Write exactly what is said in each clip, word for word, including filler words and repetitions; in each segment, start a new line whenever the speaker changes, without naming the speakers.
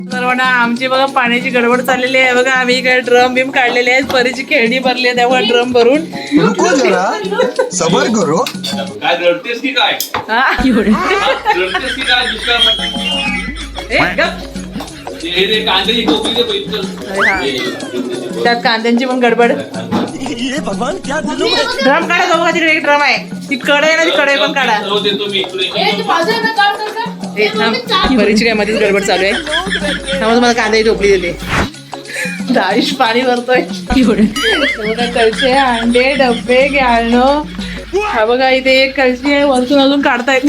सर्वांना आमची बघा पाण्याची गडबड चाललेली आहे बघा. आम्ही इकडे ड्रम बिम काढलेले आहेत. परीची खेळणी भरली आहे त्यामुळे ड्रम भरून
रुको जरा सबर करो.
काय रडतेस की काय
हा
रडतेस की काय दुसरा
ए, गप.
हे रे कांद्याची टोपली दे पहिलं.
अरे हा. त्यात कांद्यांची पण गडबड.
ये भगवान क्या दिलो में.
ड्रम काढा बघा. तिकडे एक ड्रम आहे. ती कढई आहे ना, ती कढई पण काढा.
सर्व देतो मी इकडे
ए, थांब. परीची काय मध्येच गडबड चालू आहे. त्यामुळे तुम्हाला कांद्याची टोपली देते. दाईश पाणी भरतोय. बघा कळशे, अंडे, डब्बे, घ्याळणं. हा बघा इथे एक कळशी आहे. वरतून अजून काढतायत.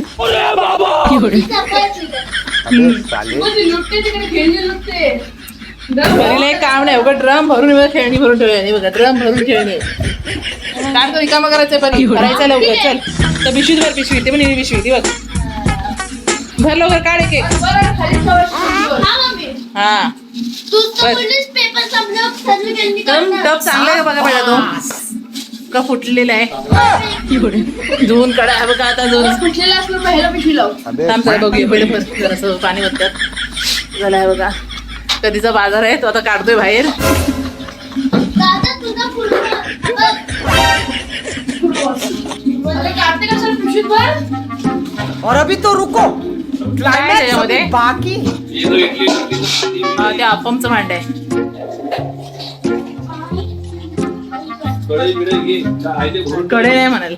भरलेलं एक काम नाही बघा. ड्रम भरून बघा खेळणी भरून ठेवली बघा. ड्रम भरून खेळणी काढतो. रिकामा करायचंय पण करायचं लवकर. चल तर पिशवीत भर. पिशवी ते पण ही पिशवी ती बघ. भर लवकर काढ एक एक. हा टप चांगला आहे बघा. पहिला तो का फुटलेला आहे. धुवून काढा. हा बघा आता धुवून थांब जरा बघूया. पहिले जरासं पाणी वरतात झालं आहे बघा. कधीचा बाजार आहे तो आता काढतोय बाहेर.
और अभी तो रुको
त्याच्यामध्ये
बाकी.
हा ते अप्पमचं भांड आहे. कडे नाही म्हणाल.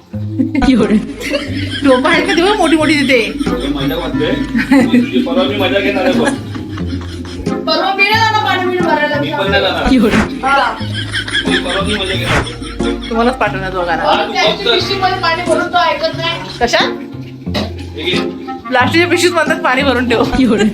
टोपा आहेत का तेव्हा मोठी मोठी तिथे.
मजा वाटते परवा मी मजा घेणार आहे बघ. मी पण नाही जाणार. मी परवा मी मजा घेणार.
तुम्हालाच पाठवणार दोघांना. कशा प्लास्टिकच्या पिशवीत म्हणतात पाणी भरून ठेव.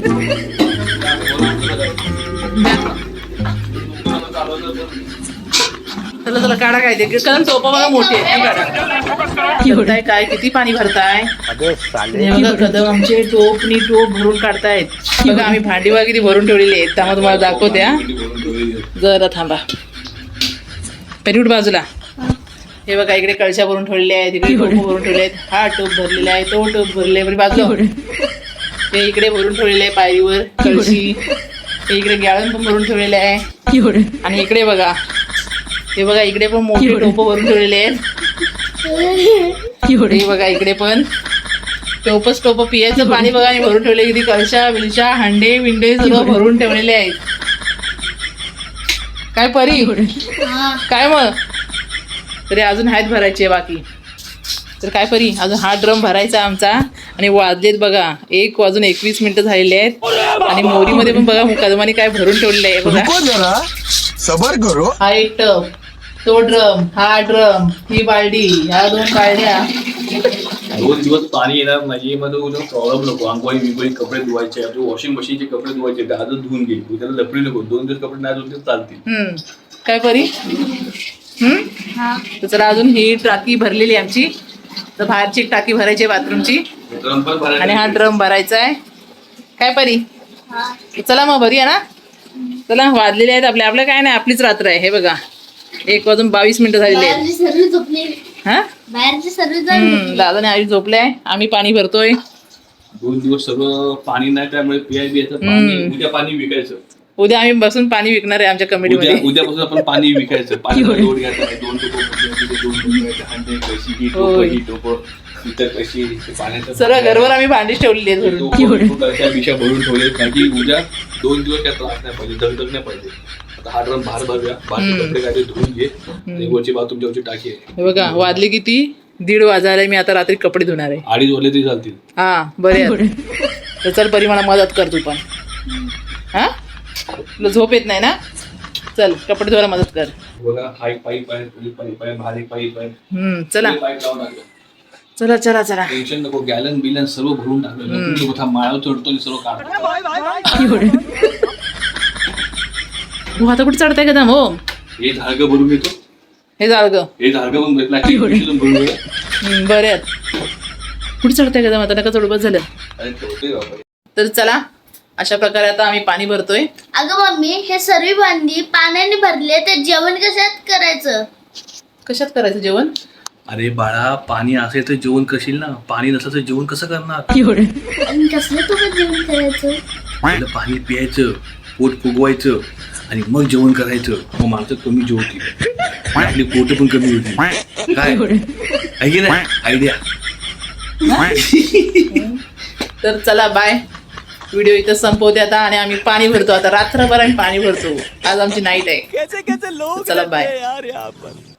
चला चला काढा काय ते. कारण टोपा बघा मोठी आहे. काढा काय किती पाणी भरताय. हे बघा कदम आमचे टोपनी टोप भरून काढतायत. बघा आम्ही भांडी बघा किती भरून ठेवलेली आहेत. त्यामुळे तुम्हाला दाखवते. हा जरा थांबा. पेरूट बाजूला. हे बघा इकडे कळशा भरून ठेवलेल्या आहेत. इकडे टोप भरून ठेवले आहेत. हा टोप भरलेला आहे. तो टोप भरले बाजूला. हे इकडे भरून ठेवलेले आहे पायरीवर कळशी. हे इकडे गॅळण पण भरून ठेवलेले आहे. आणि इकडे बघा हे बघा इकडे पण मोठे टोप भरून ठेवलेले आहेत. हे बघा इकडे पण टोपच टोप पियाचं पाणी बघा आणि भरून ठेवले. किती कळशा विलशा हांडे विंडे सगळं भरून ठेवलेले आहेत. काय परी काय मग तरी अजून आहेत भरायचे बाकी. तर काय परी अजून हा ड्रम भरायचा आमचा. आणि वाजलेत बघा एक वाजून एकवीस मिनिटं झालेले आहेत. आणि मोरीमध्ये पण बघा मुकादमाने काय भरून ठेवलेलं आहे बघा.
रुको जरा सबर करो.
हा एक टब, तो ड्रम, हा ड्रम, ही बालडी, ह्या दोन बालड्या.
दोन दिवस पाणी येणार नाही मध्ये उद्या प्रॉब्लेम नको. आंघोळी बिंगोळी कपडे धुवायचे. वॉशिंग मशीनचे कपडे धुवायचे. आजच धुवून घे. उद्याला लपडी नको. दोन दिवस कपडे नाही धुतले चालतील.
हम्म काय परी. हम्म तर चला अजून ही टाकी भरलेली आमची. तर बाहेरची एक टाकी भरायची आहे बाथरूमची.
ड्रम पण भरायला
आणि हा ड्रम भरायचा आहे. काय परी चला मग भरूया ना. चला वाजलेले आहेत आपल्या. आपलं काय नाही आपलीच रात्र आहे. हे बघा एक वाजून बावीस मिनिटं झालेली आहेत. हा दादा आई झोपले आहे. आम्ही पाणी भरतोय.
दोन दिवस सगळं पाणी नाही त्यामुळे पियाय बियाचं पाणी. उद्या पाणी विकायचं.
उद्या आम्ही बसून पाणी विकणार आहे आमच्या कमिटीमध्ये.
उद्या उद्यापासून आपण पाणी विकायचं. पाणी लोड घ्यायचं. दोन टोप दोन टोप घ्यायचं. हांडे कशी ही टोप ही टोप इतर कशी पाण्याचं
सर्व घरवर आम्ही भांडीच ठेवलेली आहेत भरून.
विषय भरून ठेवले कारण की उद्या दोन दिवस काय त्रास नाही पाहिजे. दगदग नाही पाहिजे. आता हा ड्रम बाहेर भरूया. बाहेर कपडे काय धुवून घे. वरची बाथरूमच्या वरची टाकी आहे.
हे बघा वाजले किती दीड वाजायला. मी आता रात्री कपडे धुणार आहे.
अडीच वाजले तरी चालतील.
हा बरे तर चल परी मला मदत कर तू पण. हा तुला झोप येत नाही ना. चल कपडे धुवायला मदत कर.
बघा हाय पाईप आहे. पाईप आहे. भारी पाईप आहे.
हम्म चला
पाईप लावून टाकलं.
चला चला चला.
टेन्शन नको. गॅलन बिलन सर्व भरून टाकलं. माळावर चढतो सर्व काढतो.
तू आता कुठे चढताय का दाम. हो
हे झाडगं भरून येतो.
हे जाळग
हे झाडगं पण प्लास्टिक पिशवीतून भरून येतो.
बरे आहेत. कुठे चढताय का दाम. आता नका चढू बस झालं.
अरे ठेवतोय बाबा.
तर चला अशा प्रकारे आता आम्ही पाणी भरतोय.
अगं मम्मी हे सर्व भांडी पाण्याने भरले ते जेवण कशात करायचं.
कशात करायचं जेवण.
अरे बाळा पाणी असेल तर जेवण करशील ना. पाणी नसलं तर जेवण कसं करणार.
आणि कसलं तुला जेवण करायचं.
पहिलं पाणी प्यायचं, पोट फुगवायचं आणि मग जेवण करायचं. मग माणसं कमी जेवतील, आपली पोट पण कमी होती. काय आहे की नाही आयडिया?
तर चला बाय. व्हिडिओ इथं संपवते आता आणि आम्ही पाणी भरतो आता. रात्रभर आम्ही पाणी भरतो. आज आमची नाईट आहे. चला बाय.